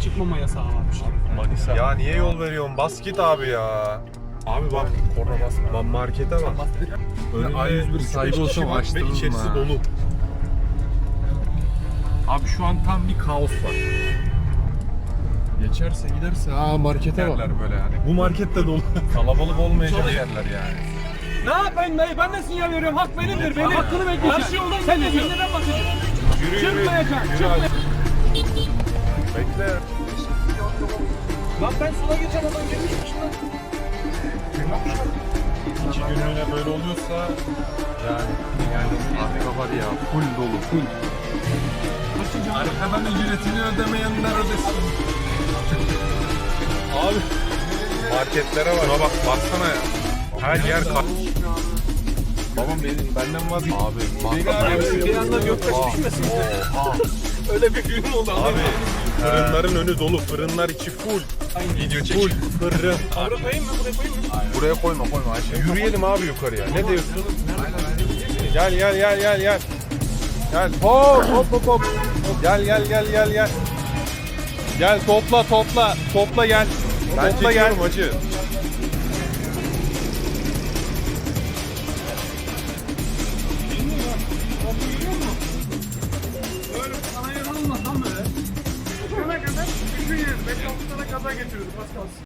çıkmama yasağı varmış. Manisa. Ya niye yol veriyorsun? Bas git abi ya. Abi bak korna basma. Lan markete bak. Önünde A101 sahibi olsam ve açtırırım içerisi ha. dolu. Abi şu an tam bir kaos var. Geçerse giderse markete bak. Yerler böyle yani. Bu markette dolu. Kalabalık olmayacak yerler yani. Ne yapayım dayı? Ben de sinyal veriyorum. Hak benimdir. Benim hakkını bekliyorsun. Karşı yoldan sen de neden bahsediyorsun? Yürü yürü. Çıkmayacak. Yürü Çıkmayacak. Bekle. Lan ben sola geçen adam gelmişmiş lan. 2 günlüğüne böyle oluyorsa yani Arka var ya full dolu full. Arkadan ücretini ödemeyenler ödesin. abi marketlere bak. Şuna bak baksana ya. Her yer kar. Babam benden vazgeç. Abi Abi Bir anda göktaş düşmesin. Öyle bir film oldu. Abi fırınların önü dolu. Fırınlar içi full. Video çek. Full fırın. Buraya koyayım mı? Buraya koyayım mı? buraya koyma Ayşe. Yürüyelim abi yukarıya. Ne diyorsun? Gel gel gel gel gel. Gel hop hop hop hop. Gel gel gel gel gel. Gel topla topla. Topla gel. Ben topla gel. Hacı. Böyle sana yer olmaz lan böyle. Şuna kadar düşün yani. 5-6 tane kaza getiriyordu. Az kalsın.